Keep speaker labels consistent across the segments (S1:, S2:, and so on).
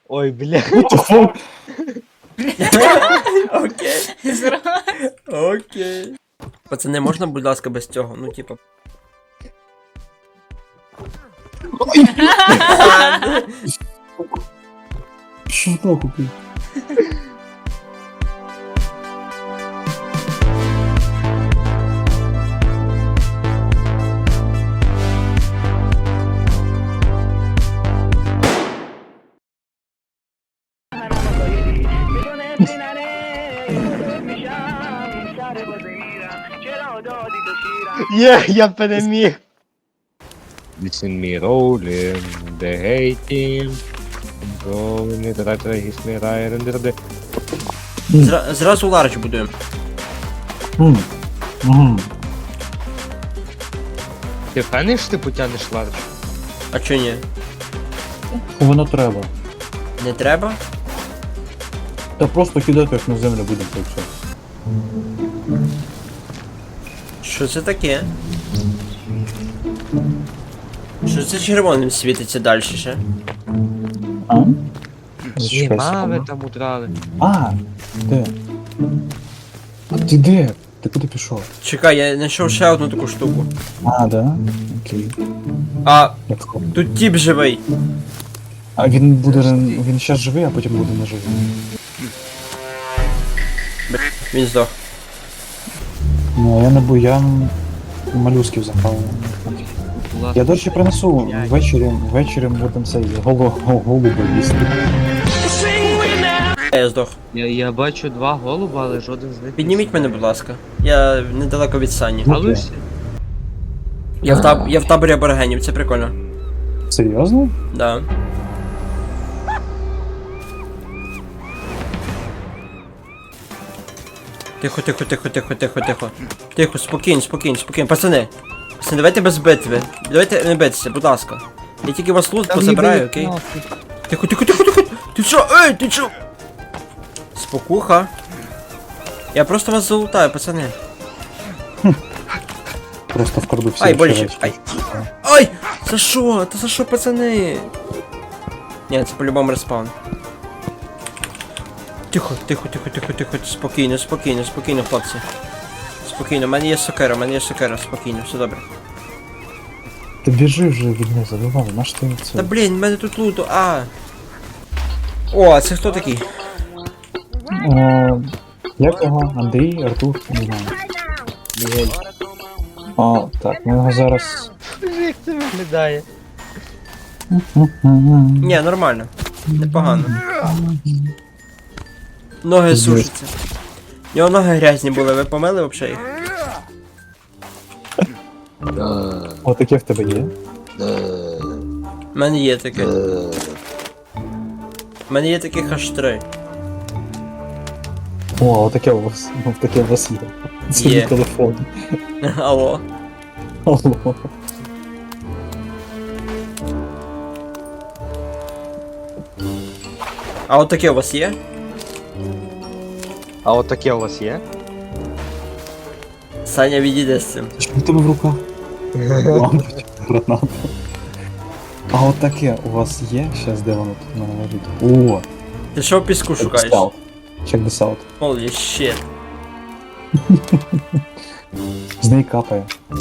S1: Ой, бля.
S2: Окей.
S3: Зразу.
S2: Окей. Пацани, можна, будь ласка, без цього? Ну, типа.
S4: Що нахуй, блін?
S1: Є, я переміг. Listen me rolling, the hating. Rolling, the right, he's me right, and the
S2: Зразу ларч будуємо.
S1: Ти впевнений, що ти потягнеш ларч?
S2: А чо ні?
S4: Воно треба.
S2: Не треба?
S4: Та просто кидати як на землю будемо так все.
S2: Що це таке? Що це червоним світиться далі ще?
S4: А?
S1: Єма ви там удрали.
S4: А, де? А ти де? Ти куди пішов?
S2: Чекай, я знайшов ще одну таку штуку.
S4: А, да? Окей.
S2: А,
S4: Як то?
S2: тут тіп живий.
S4: А він буде. Він щас живий, а потім буде не живий.
S2: Він здох.
S4: Ну, я не бу, я малюсків запав. Я, до речі, принесу ввечері будемо цей голуби їсти.
S2: Я здох.
S1: Я бачу два голуба, але жоден з них.
S2: Підніміть мене, будь ласка. Я недалеко від Сані.
S1: Галуся?
S2: Я в таборі аборигенів, це прикольно.
S4: Серйозно?
S2: Да. Тихо, тихо, тихо, тихо, тихо, тихо. Тихо, спокійно, спокійно, спокійно. Пацани, давайте без битви. Давайте не битися, будь ласка. Я тільки вас лут позабираю, окей? Тихо, тихо, тихо, тихо! Ти що? Ей, ти що? Спокуха. Я просто вас залутаю, пацани.
S4: Просто вкраду всі.
S2: Ай, боляче,
S4: речі.
S2: ай. Ай! За що? Та за що, пацани? Ні, це по-любому респаун. Тихо, тихо, тихо, тихо, тихо, спокійно, спокійно, спокійно, хлопці. Спокійно, в мене є сокира, спокійно, все добре.
S4: Ти біжи вже від них, забивай, наш ти це.
S2: Та блін, в мене тут луту, а. О, а це хто такий?
S4: Як його? Андрій, Артур, не знаю.
S1: Мігель.
S4: О, так, ми його зараз.
S1: Як це виглядає?
S2: Ні, нормально. Непогано. Ноги сушаться. У нього ноги грязні були, ви помили взагалі їх?
S4: О, таке в тебе є?
S2: У мене є таке. У мене є таких аж 3.
S4: О, отаке у вас. Таке у вас є. Це
S2: Є.
S4: мій телефон.
S2: Алло.
S4: Алло.
S2: А от таке у вас є?
S1: А от таке у вас є?
S2: Саня, відійде з цим.
S4: Що в тебе в руках? Лампочка, граната. А от таке у вас є? Щас де воно тут в мене лежить? О!
S2: Ти що в піску шукаєш?
S4: Check this out.
S2: Holy shit.
S4: З неї капає.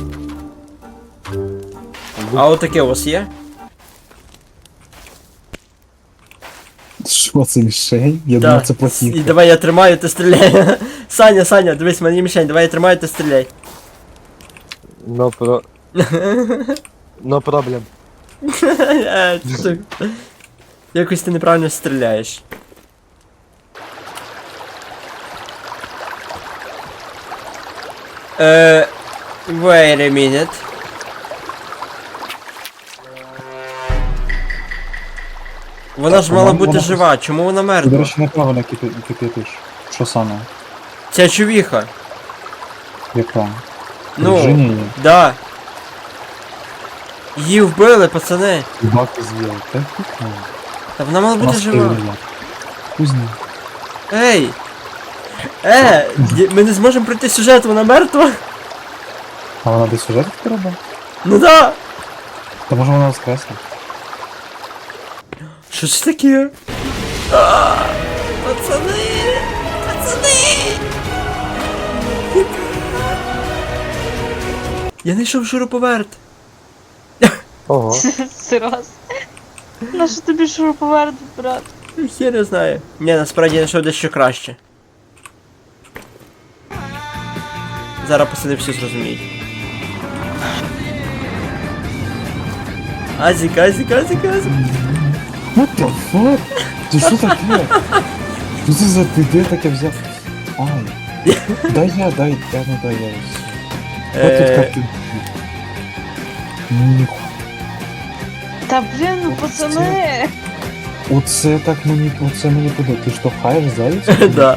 S2: А от таке у вас є?
S4: Що це мішень? Я думав, це
S2: І
S4: платівка.
S2: давай я тримаю, ти стріляй. Саня, дивись, в мене є мішень, давай я тримаю, ти стріляй.
S1: No problem.
S2: Якось ти неправильно стріляєш. Wait a minute. Вона ж мала бути жива, чому вона
S4: Ти, до
S2: мертва?
S4: речі, неправильно кипятиш. Що саме?
S2: Ця чувіха.
S4: Яка?
S2: Ну,
S4: Virginia є?
S2: да. Її вбили, пацани.
S4: Баки з'їли. Так?
S2: Та вона мала бути жива.
S4: Кузні.
S2: Ей! Ми не зможемо пройти сюжет, вона мертва?
S4: А вона десь сюжет треба?
S2: Ну да!
S4: Та може вона воскресла?
S2: Що це таке? Пацани! Пацани! Я знайшов шуруповерт.
S1: Ого.
S3: Сирос. На що тобі шуруповерт, брат?
S2: Я не знаю. Ні, насправді я знайшов дещо краще. Зараз пацани всі зрозуміють. Азік, азік, азік, азік.
S4: What the fuck? Ти що таке? Що це за ти де таке взяв? Ай. Дай я. От тут як ти. Ніхуя.
S3: Та блін, ну пацани!
S4: Оце мені подобається. Ти штовхаєш зайця?
S2: Да.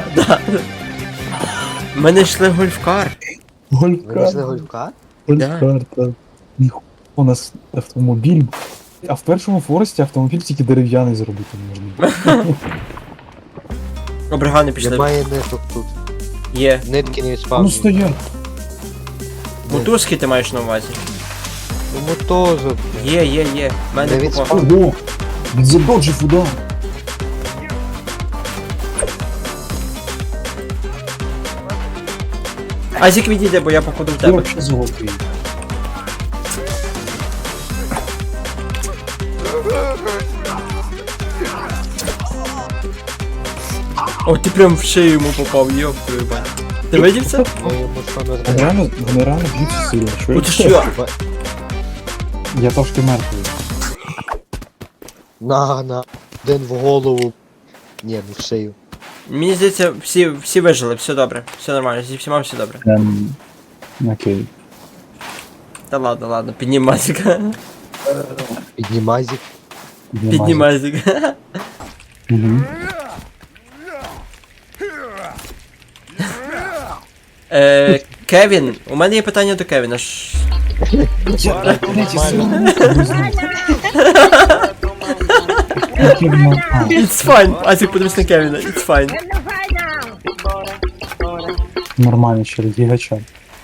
S2: Ми знайшли гольфкар.
S1: Ви знайшли
S4: Гольфкар.
S1: гольфка?
S4: Гольфкар, так. Ніхуя. У нас автомобіль. А в першому форесті автомобіль тільки дерев'яний зробити можна.
S2: Обригани пішли.
S1: Немає ниток тут.
S2: Є.
S1: Нитки не
S4: Ну
S1: відспавнюють.
S4: стоять.
S2: Мотузки ти маєш на увазі?
S1: Ну мотозок.
S2: Є. В мене
S1: Не
S2: купа.
S4: Ого! Він задоджив удар.
S2: Азік відійде, бо я походу в
S4: Ти
S2: тебе.
S4: вообще золотий.
S2: О, ти прям в шею йому попав, йоп твою бать. Ти видів це?
S1: Ми йому що не
S4: Вони реально б'ються сильно. Що
S2: О, ти що?
S4: Я трошки мертвий.
S1: На. Один в голову. Ні, ну в шию.
S2: Мені здається, всі вижили, все добре, все нормально, зі всіма все добре.
S4: Окей.
S2: Та ладно, піднімай Азіка.
S1: Піднімазик.
S2: Піднімай Азіка.
S4: Угу.
S2: Кевін, у мене є питання до Кевіна. It's fine, Азік, подивись на Кевіна, it's fine.
S4: Нормально, через гігача.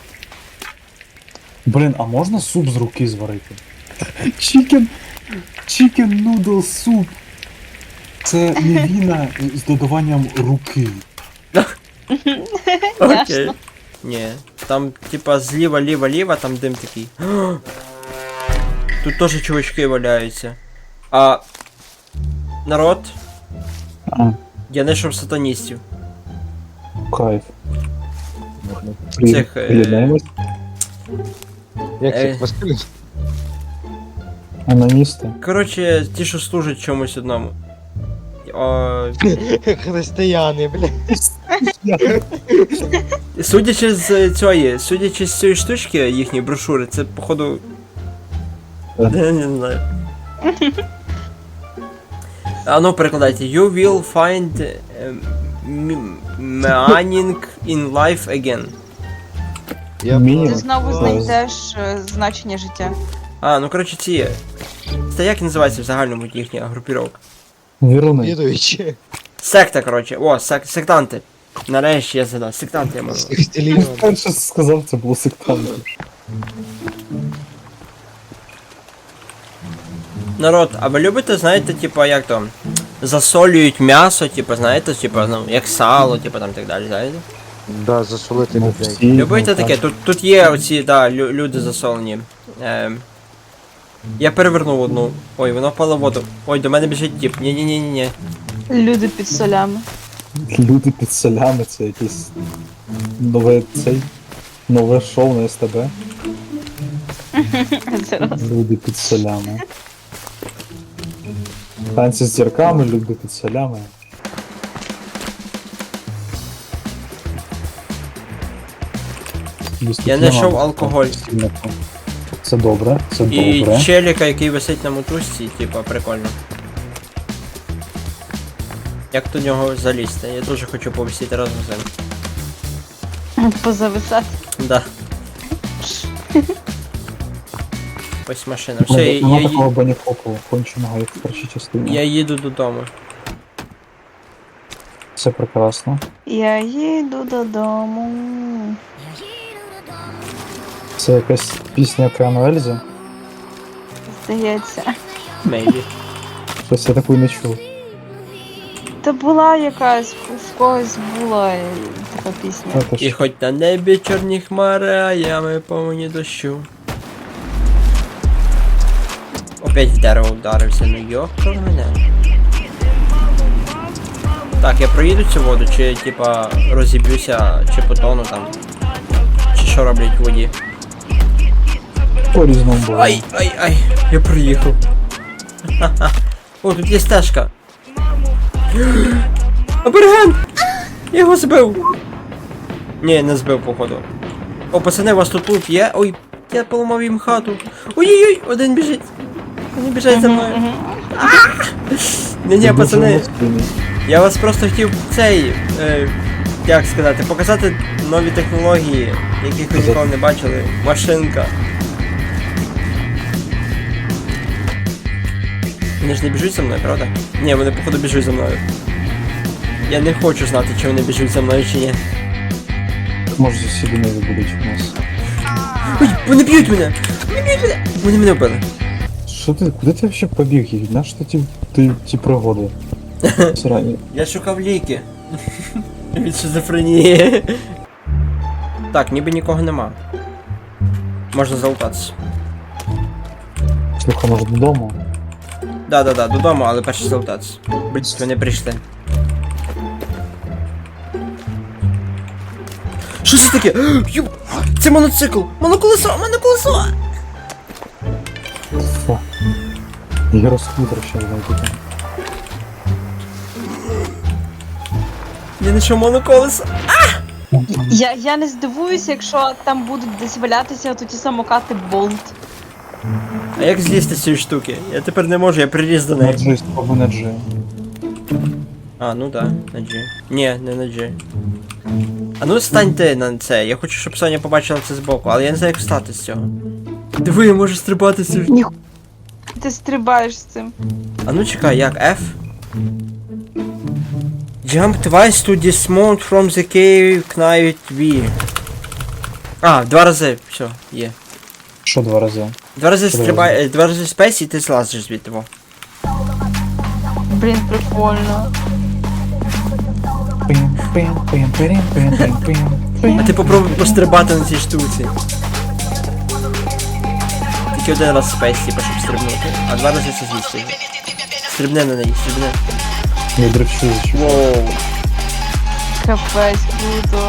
S4: Блін, а можна суп з руки зварити? Chicken noodle суп. Це мівіна з додаванням руки.
S2: Окей. Ні, там типа зліва, ліва, там дим такий. Тут теж чувачки валяються. А народ,
S4: А,
S2: я знайшов сатаністів.
S4: кайф.
S2: Цих,
S4: Приєднаємось.
S1: Як
S2: Ей.
S1: це Василь?
S4: Аноністи.
S2: Коротше, ті, що служать чомусь одному. О,
S1: Християни, бля.
S2: судячи з цієї штучки, їхньої брошури, це походу. Я не знаю. А ну перекладайте. You will find meaning in life again.
S1: Я
S4: Мінімум.
S3: Ти знову знайдеш значення життя.
S2: А, ну коротше ці. Це як називається в загальному їхня групіровка?
S4: Віруни.
S1: відуючи.
S2: Секта, коротше. О, сектанти. Нарешті я згадав. Сектанти я можу.
S4: Я перше сказав, це було сектанти.
S2: Народ, а ви любите, знаєте, типа, як там, засолюють м'ясо, типа, знаєте, типа, ну, як сало, типа там так далі, знаєте?
S1: Да, засолити
S4: Ну,
S1: людей.
S4: всі,
S2: Любите
S4: ну,
S2: таке?
S4: так.
S2: Тут є оці, да, люди засолені. Я перевернув одну. Ой, вона впала в воду. Ой, до мене біжить тіп. Ні.
S3: Люди під солями.
S4: Люди під солями, це якесь нове шоу на СТБ.
S3: Зараз.
S4: Люди під солями. Танці з зірками, люди під солями.
S2: Я знайшов алкоголь.
S4: Це добре, це
S2: І
S4: добре.
S2: челіка, який висить на мотузці, типа, прикольно. Як до нього залізти? Я дуже хочу повисіти разом з ним.
S3: Позависати.
S2: Да. Ось машина. Все,
S4: Нема такого баніхопу, конченого, як в першій частині.
S2: я їду додому.
S4: Все прекрасно.
S3: Я їду додому.
S4: Це якась пісня Океану Ельзи.
S3: Здається.
S2: Мейлі.
S4: Щось я таку не чув.
S3: Та була якась, в когось була така пісня.
S4: Це
S2: І
S4: ж
S2: хоч на небі чорні хмари, а ями повні дощу. Опять в дерево вдарився, ну йоптав мене. Так, я проїду цю воду, чи типа розіб'юся, чи потону там. Чи що роблять в воді?
S4: по-різному було.
S2: Ай, я проїхав. Ха-ха. О, тут є стежка. Аберген! Я його збив! Ні, не збив, походу. О, пацани, у вас тут лут є? Ой, я поламав їм хату. Ой-ой-ой, один біжить. Вони біжать за мною. Ні-ні, пацани, я вас просто хотів цей, як сказати, показати нові технології, яких ви ніколи не бачили. Машинка. Вони ж не біжуть за мною, правда? Ні, вони походу біжуть за мною. Я не хочу знати, чи вони біжуть за мною чи ні.
S4: Може сусіди не будуть у нас.
S2: Ой, вони б'ють мене! Вони б'ють мене! Вони мене вбили.
S4: Що ти, куди ти взагалі побіг? І на що ті пригоди? Срані.
S2: Я шукав ліки. Від шизофренії. Так, ніби нікого нема. Можна залутатися.
S4: Слухай, може додому?
S2: Да, додому, але перше залутатися. Блять, вони прийшли. Що це таке? Ю! Це моноцикл! Моноколесо! Моноколесо!
S4: Фу. Я розкутер ще знайду.
S2: Я знайшов моноколесо!
S3: Я не здивуюся, якщо там будуть десь валятися ті самокати Болт.
S2: А як злізти з цієї штуки? Я тепер не можу, я приріс до
S4: На
S2: неї.
S4: G, спробуй на G.
S2: А, ну да, на G. Ні, не на G. А ну стань ти на це, я хочу, щоб Соня побачила це збоку, але я не знаю, як встати з цього. Диви, я можу стрибати з цього.
S3: Ти стрибаєш з цим.
S2: А ну чекай, як F? Jump twice to dismount from the cave, knight V. А, 2 рази, все, є.
S4: Що 2 рази?
S2: 2 рази
S4: Що
S2: стрибай, 2 рази спейс і ти злазиш звідти. Во.
S3: Блін, прикольно.
S2: А ти попробуй пострибати на цій штуці. Тільки один раз спейс, типа, щоб стрибнути, а 2 рази це з'їсти. Стрибни на неї, стрибни.
S4: Я дрочу.
S2: Воу.
S3: Капець, круто.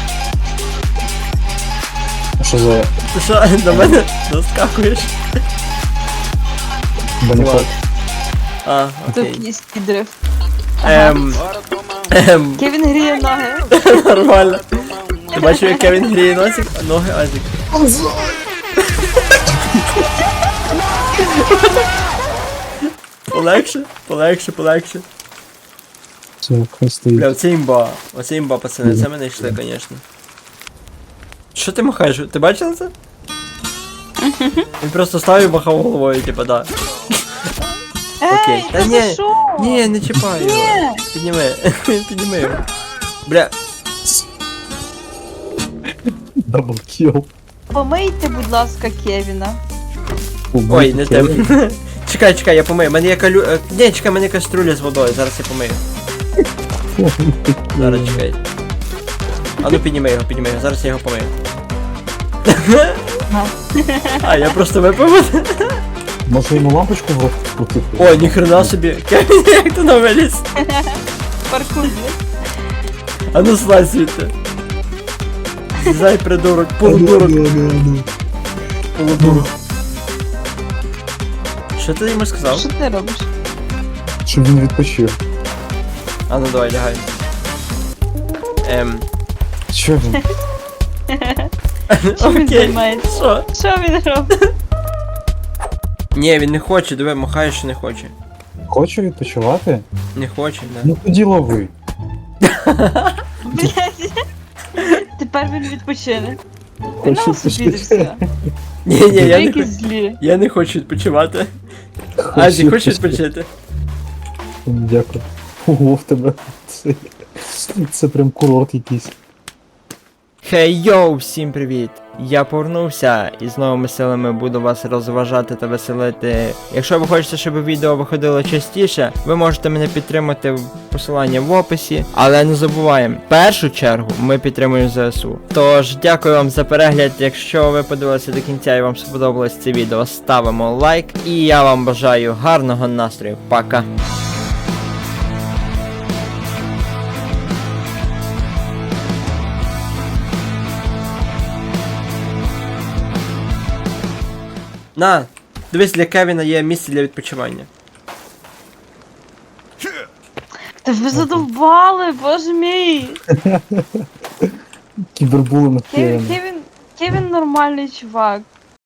S4: Що за
S2: Ти що, на мене наскакуєш?
S4: банікот?
S2: А, окей.
S3: Топійський дрифт.
S2: Ем.
S3: Кевін гріє ноги.
S2: Нормально. Ти бачив, як Кевін гріє носик, а ноги Азік. Полегше.
S4: Це хай стоїть.
S2: Бля, оце імба, пацани, це мене йшли, конечно. Що ти махаєш? Ти бачила це? Він просто став і махав головою, типа, да. Окей.
S3: Ей,
S2: Та
S3: та
S2: ні.
S3: за що?
S2: Ні, не чіпай його. Підніми його. Бля,
S4: Даблкіл.
S3: Помийте, будь ласка, Кевіна.
S2: ой, не те. Чекай, я помию. Мене є Ні, чекай, мене каструля з водою, зараз я помию. Зараз чекай. А ну підніми його, зараз я його помию. А, я просто випив.
S4: Може йому лампочку в рот вкрутити?
S2: О, ніхрена собі. Кевін, як ти нам виліз?
S3: Паркур.
S2: А ну слазь звідти. Зай, придурок, полудурок. Що ти йому сказав?
S3: Що ти робиш?
S4: Щоб він відпочив.
S2: А ну давай, лягай.
S4: Що він?
S3: Чим він
S2: Окей,
S3: займається?
S2: що?
S3: Що він робить?
S2: Ні, він не хоче, диви, махає, що не хоче.
S4: Хоче відпочивати?
S2: Не хоче, да.
S4: Ну тоді лови.
S3: Блядь. Тепер він відпочине.
S4: Хоче
S3: Ну, собі і все.
S2: Ні, я не
S3: Які
S2: хочу.
S3: злі.
S2: Я не хочу відпочивати. Азі, хочеш відпочити?
S4: Дякую. Ого, в тебе. Це прям курорт якийсь.
S2: Хей йоу, всім привіт! Я повернувся і з новими силами буду вас розважати та веселити. Якщо ви хочете, щоб відео виходило частіше, ви можете мене підтримати в посиланні в описі. Але не забуваємо, в першу чергу ми підтримуємо ЗСУ. Тож, дякую вам за перегляд. Якщо ви подивилися до кінця і вам сподобалось це відео, ставимо лайк. І я вам бажаю гарного настрою. Пока! На, дивись, для Кевіна є місце для відпочивання.
S3: Та ви задовбали, боже мій!
S4: Кібербулинг.
S3: Кевін нормальний чувак.